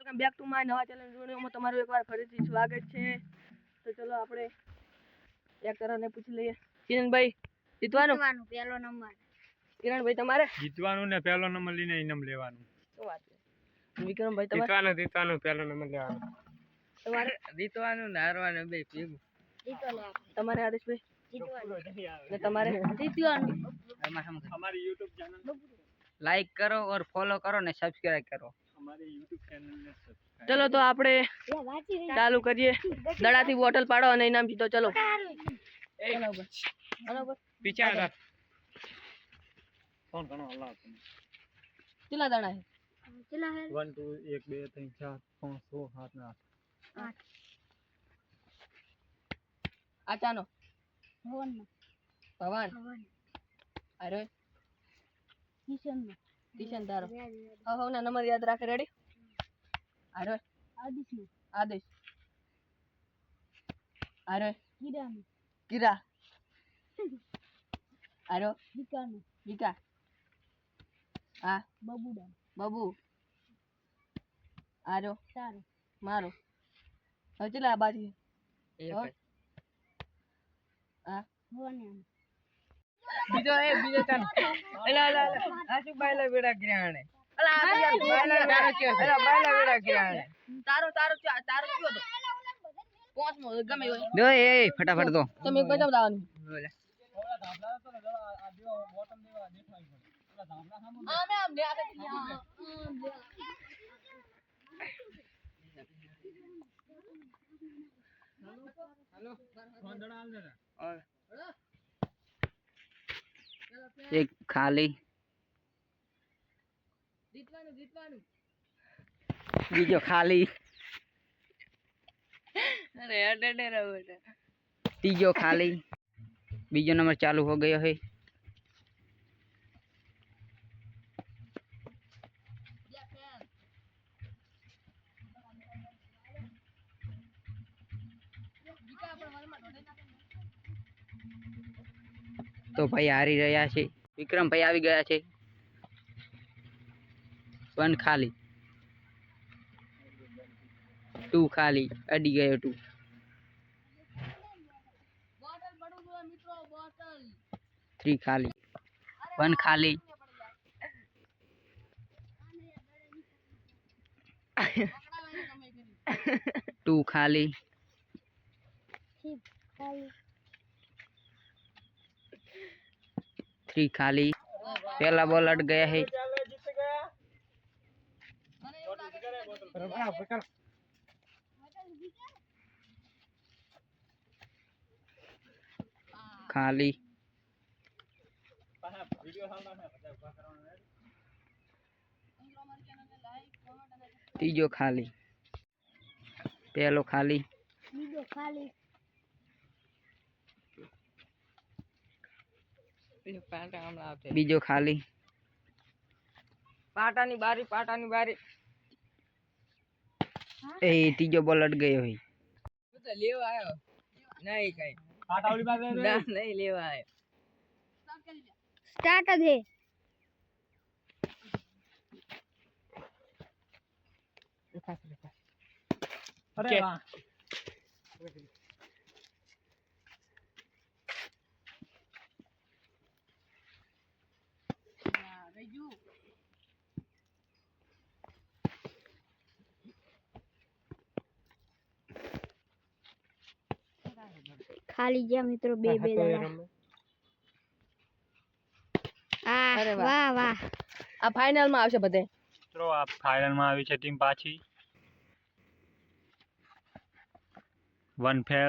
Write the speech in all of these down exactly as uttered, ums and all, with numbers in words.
Welcome back to my નવા channel વિડિયોમાં તમારું એકવાર ફરીથી સ્વાગત છે। તો ચલો આપણે એક તરફને પૂછી લઈએ। કિરણભાઈ જીતવાનું પહેલો નંબર। કિરણભાઈ તમારે જીતવાનું ને પહેલો નંબર લઈને ઇનામ લેવાનું। શું વાત છે વિક્રમભાઈ તમારે જીતવાનું જીતવાનું પહેલો નંબર લેવાનો। તમારે જીતવાનું ને હારવાનું બે ભેગું। જીતો લે તમારે આદેશભાઈ જીતવાનું ને તમારે જીતવાનું। हमारी यूट्यूब चैनल लाइक करो और फॉलो करो ने सब्सक्राइब करो हमारी यूट्यूब चैनल ने सब्सक्राइब चलो तो આપણે ચાલુ કરીએ। દડાથી બોટલ પાડો અને ઇનામ જીતો। ચલો ચલો બરાબર पीछे आ जा फोन करो अल्लाह કેટલા દાણા છે કેટલા હે वन टू एक બે ત્રણ ચાર પાંચ છ સાત ને આઠ આઠ આ ચાનો ભવન ભવાન ભવન અરે કિશન કિશન તારો હા હા ના નંબર યાદ રાખે રેડી અરે આદિશ નો આદેશ અરે કિરણ કિરા અરે વિકાન વિકા હા બબુડા બાબુ આરો તારો મારો હવે ચલા આ બાજુ હા ભવન બીજો એ બીજો ચાલ એલા એલા આ શું બાયલા વેડા કર્યાણે અલા આ યાર બાયલા વેડા કયો એલા બાયલા વેડા કર્યાણે તારો તારો તારો કયો તો પાંચમો ગમે હોય દો એ ફટાફટ દો તમે એક બજાવ દાવાનું આમે આમ ને આ हेलो फोन दड़ा आल दे और एक खाली જીતવાનું જીતવાનું बीजो खाली અરે અડે અડે રહો બેટા तीजो खाली बीजो नंबर चालू हो गयो है तो भाई हारी रहा है विक्रम भाई આવી ગયા છે वन खाली टू खाली अडी गयो टू બોટલ પડું જો મિત્રો બોટલ थ्री खाली वन खाली टू खाली ખાલી थ्री खाली पहला बॉल अट गया है खाली तीजो खाली पहलो खाली બીજો ખાલી बीजो खाली પાટાની બારી પાટાની બારી ए तीजो बॉल अट गयो है તું તો લેવા આવ્યો નહીં કઈ काटा वाली बात ના નહીં લેવા આવ્યો સ્ટાર્ટ જ હે अरे वाह ખાલી ગયા મિત્રો બે બે દાડા આ અરે વાહ. વાહ વાહ આ ફાઇનલ માં આવશે બધે મિત્રો આ ફાઇનલ માં આવી છે ટીમ પાછી one fail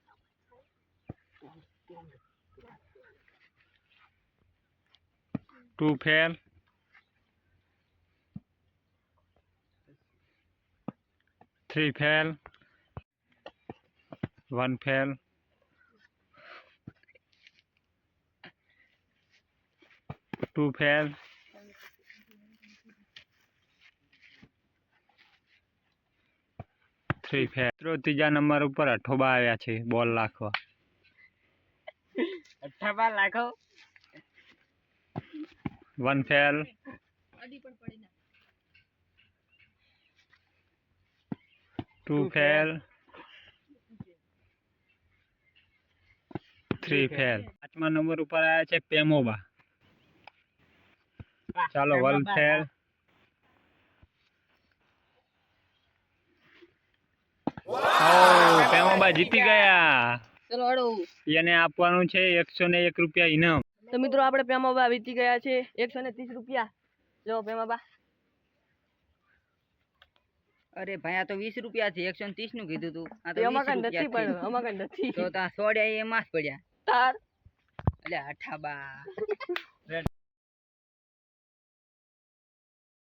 two fail three fail one fail two fail three fail तीजा नंबर पर अठोबा आया छे बॉल लाखवा अठाबा लाखो वन फेल અડી પણ પડી ના ટુ ફેલ, થ્રી ફેલ. પાંચમા નંબર ઉપર આવ્યા છે પેમોબા. ચાલો વન ફેલ. ઓ પેમોબા જીતી ગયા. ચલો હડો. એને આપવાનું છે એકસો ને એક રૂપિયા ઇનામ. તો મિત્રો આપણે પેમાબા વીતી ગયા છે એકસો ને ત્રીસ રૂપિયા. લો પેમાબા. અરે ભાઈ આ તો વીસ રૂપિયા છે, એકસો ને ત્રીસ નું કીધું તું. આ તો એમાં વીસ કઈ નથી રૂપિયા પડ્યો, આમાં કઈ નથી. તો તા સોડ્યા એમાં જ પડ્યા. તાર એટલે અઠાબા